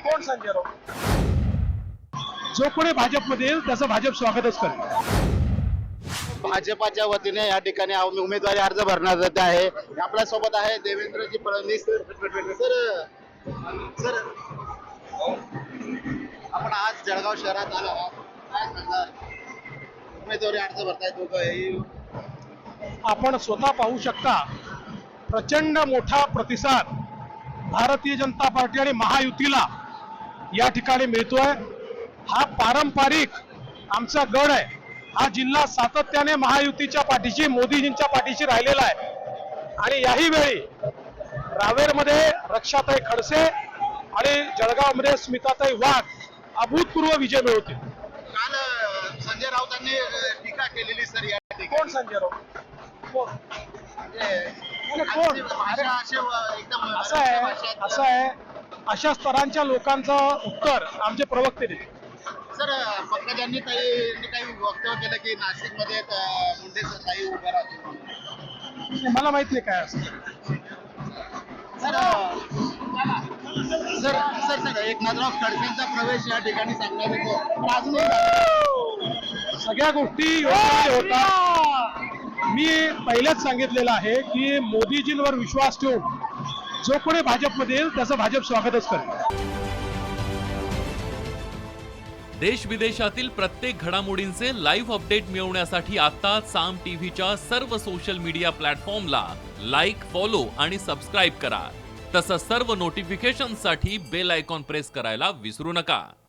कोण संजय राऊत? जो कोणी भाजपमध्ये येईल त्याचं भाजप स्वागतच करेल. भाजपाच्या वतीने या ठिकाणी उमेदवारी अर्ज भरण्यात येत आहे. आपल्या सोबत आहे देवेंद्रजी फडणवीस सर. सर आपण आज जळगाव शहरात आलो आहात. काय सांगणार? उमेदवारी अर्ज भरताय दोघंही. आपण स्वतः पाहू शकता प्रचंड मोठा प्रतिसाद भारतीय जनता पार्टी आणि महायुतीला या ठिकाणी मिळतोय. हा पारंपरिक आमचा गड आहे. हा जिल्हा सातत्याने महायुतीच्या पाठीशी, मोदीजींच्या पाठीशी राहिलेला आहे आणि याही वेळी रावेरमध्ये रक्षाताई खडसे आणि जळगावमध्ये स्मिताताई वाघ अभूतपूर्व विजय मिळवतील. काल संजय राऊतांनी टीका केलेली सर या ठिकाणी. कोण संजय राऊत? कोण? आजची भाषा अशी एकदम असं आहे अशा स्तरांच्या लोकांचं उत्तर आमचे प्रवक्ते देतील. सर पंकजांनी काही वक्तव्य केलं की नाशिकमध्ये मुंडे ताई उभ्या राहतील. मला माहित नाही काय असं. Sir sir sir sir Eknathrao खडसेंचा प्रवेश या ठिकाणी सांगण्यात येतो. अजूनही सगळ्या गोष्टी योग्य होतात. मी पहिलेच सांगितलेलं आहे की मोदीजींवर विश्वास ठेवून जो कोणी भाजपमध्ये येईल त्याचं भाजप स्वागतच करेल. देश विदेशातील प्रत्येक घडामोडींचे लाईव्ह अपडेट मिळवण्यासाठी आता साम टीव्हीच्या सर्व सोशल मीडिया प्लॅटफॉर्मला लाईक, फॉलो आणि सबस्क्राईब करा. तसंच सर्व नोटिफिकेशनसाठी बेल आयकॉन प्रेस करायला विसरू नका.